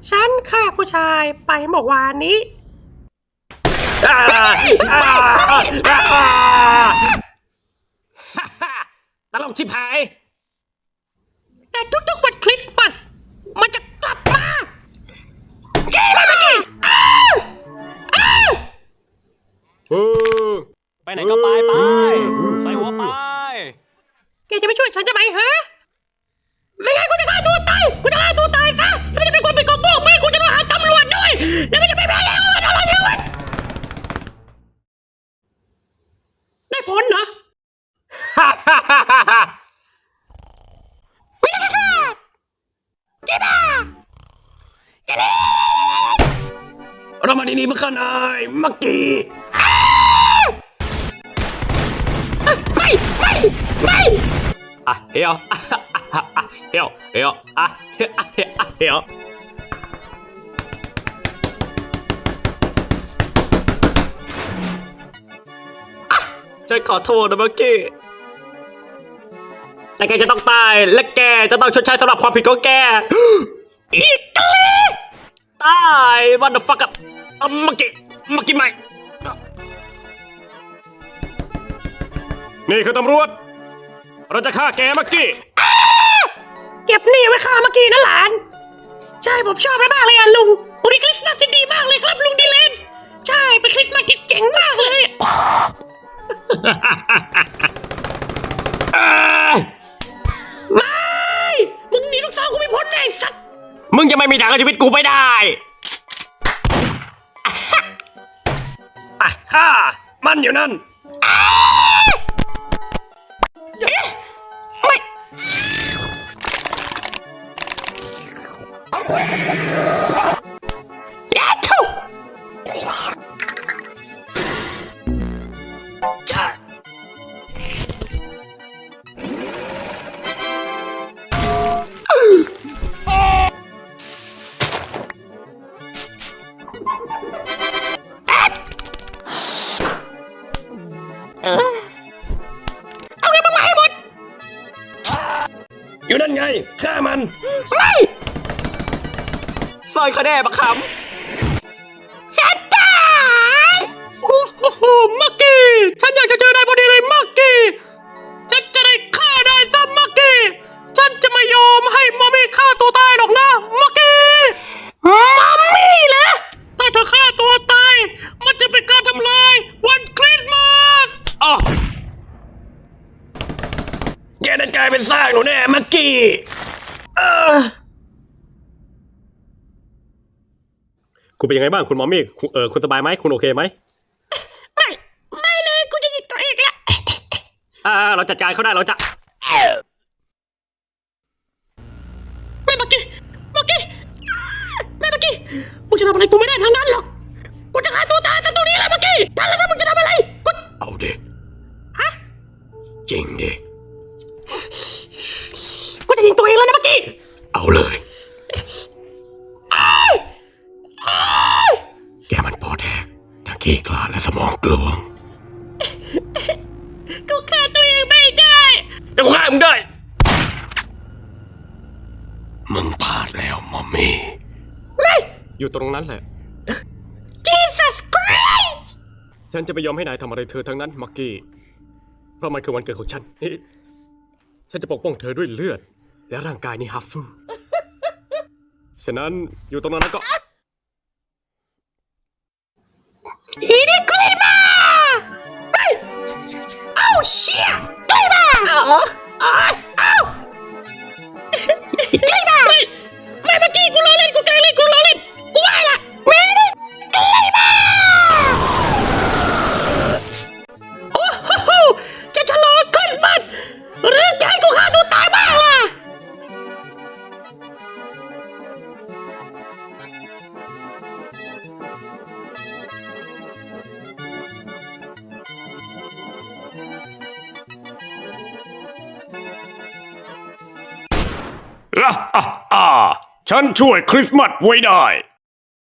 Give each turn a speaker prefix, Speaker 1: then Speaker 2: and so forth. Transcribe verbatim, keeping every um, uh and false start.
Speaker 1: ฉันฆ่าผู้ชายไปเมื่อวานนี้
Speaker 2: ตลกชิบหาย
Speaker 1: แต่ทุกๆวันคริสต์มาสมันจะกลับมาเจ๊มาเมื่อกี้
Speaker 2: ไปไหนก็ไปไปใส่หัวไป
Speaker 1: แกจะไม่ช่วยฉันจะไหมฮะไม่งั้นกูจะฆ่าตัวตายกูจะฆ่าตัวตายซะแล้วมันจะเป็นคนเป็นกบฏไม่กูจะมาหาตำรวจด้วยแล้วมันจะไม่แพ้แล้วมันอะไรชีวิตได้ผลเหรอฮ่าฮ่าฮ่าฮ่าฮ่าไม่ได้ค่ะเจ๊บ้าเจ๊เล่
Speaker 2: เรามาดีนี้มาขนายมักกี้
Speaker 1: ไม่ไม่ไม่
Speaker 2: อ่ะเฮียวอ่ะเฮียวเฮียวอ่ะเฮียวเฮียวฉันขอโทษนะมักกี้แต่แกจะต้องตายและแกจะต้องชดใช้สำหรับความผิดของแกอีกแล้วตายวันเดอร์ฟักกับมักกี้มักกี้ใหม่นี่คือตำรวจเราจะฆ่าแกมักกี้
Speaker 1: เก็บนี่ไว้ฆ่าเมื่อกี้นะหลานใช่ผมชอบมากเลยอ่ะลุงวันนี้คริสต์มาสดีมากเลยครับลุงดิเลนใช่เป็นคริสต์มาสที่เจ๋งมากเลยไม่มึงหนีลูกสาวกูไม่พ้นไอ้สัตว์
Speaker 2: มึงจะไม่มีทางเอาชีวิตกูไปได้อ่ะฮ่ามันอยู่นั่น
Speaker 1: ไม่ยาทูเอาไงมึงมาให้หมด
Speaker 2: อยู่นั่นไงฆ่ามัน
Speaker 1: ไม่
Speaker 2: ซอยเขาแน่ปะค
Speaker 1: ำฉันตายโอ้โหมักกี้ฉันอยากจะเจอนายพอดีเลยมักกี้ฉันจะได้ฆ่านายซะมักกี้ฉันจะไม่ยอมให้มัมมี่ฆ่าตัวตายหรอกนะมักกี้มัมมี่เหรอถ้าเธอฆ่าตัวตายมันจะเป็นการทำลายวันคริสต์มาส
Speaker 2: อ๋อแกนั่นกลายเป็นซากหนูแน่มักกี้เออคุณเป็นยังไงบ้างคุณมอมมี่เออคุณสบายไหมคุณโอเคไหม
Speaker 1: ไม่ไม่เลยกูจะยิงตัวเองละ
Speaker 2: อ่าเราจัดการเขาได้เราจะ
Speaker 1: ไม่มักกี้มักกี้ไม่มักกี้มึงจะทำอะไรกูไม่ได้ทั้งนั้นหรอกกูจะฆ่าตัวตายจากตรงนี้แหละมักกี้ถ้าแล้วมึงจะทำอะไรกู
Speaker 2: เอาดิ
Speaker 1: ฮะ
Speaker 2: จริงดิ
Speaker 1: กูจะยิงตัวเองแล้วนะมักกี้
Speaker 2: เอาเลยแกมันปอดแหกทั้งขี้คลาดและสมองกลวง
Speaker 1: กูฆ่าตัวเองไม่ได้
Speaker 2: แต่กูฆ่ามึงได้มึงพลาดแล้วมอมมี่
Speaker 1: ไม่
Speaker 2: อยู่ตรงนั้นแหละ
Speaker 1: Jesus Christ
Speaker 2: ฉันจะไม่ยอมให้นายทำอะไรเธอทั้งนั้นมักกี้เพราะมันคือวันเกิดของฉันฉันจะปกป้องเธอด้วยเลือดและร่างกายนี้ฮัฟฟูฉะนั้นอยู่ตรงนั้นก็
Speaker 1: อีนี่กลีมาเฮ้ยเอ้าเชี่ยกลีมาเอ้าเอ้าเอ้ากลีมาไม่ไม่เมื่อกี้กูล้อเล่นกูแกล้งเล่นกูล้อเล่นกูว่าละไม่ได้กลีมาโอ้โหจะฉลองคริสต์มาสหรือจะให้กูฆ่าตัวตายบ้างล่ะ
Speaker 2: อ่าอ่าฉันช่วยคริสต์มาสไว้ได้